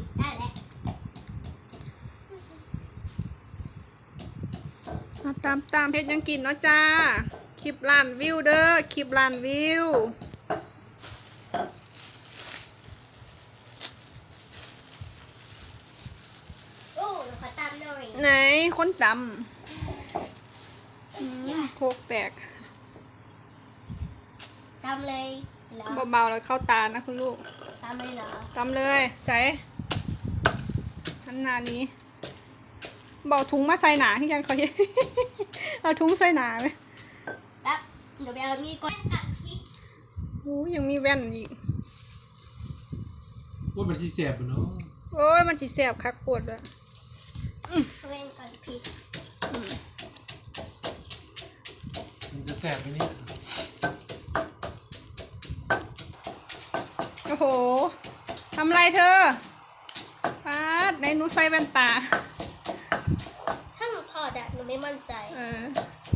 ได้แล้วตามเพจยังกินเนาะจ้าคลิปล้านวิวเด้อคลิปล้านวิวโอ้เราขอตามหน่อยไหนคนตำโคกแตกตามเลยเหรอเบาๆแล้วเข้าตานะคุณลูกตามเลยเหรอตำเลยใส่ขนาดนี้เบาถุงมาใส่หนาที่ยังเขา เอาถุงใส่หนาไหมแป๊บเดี๋ยวไปเอานี่ก่อนกับพริกโอ้ยังมีแว่นอีกว่ามันที่เสียบเนาะโอ้ยมันสิแสบคักปวดอะเล่นก่อนพริกมันจะแสบไปนี่โอ้โหทำไรเธอปาดในหนูใส่แว่นตาถ้าหนูถอดอะหนูไม่มั่นใจเออ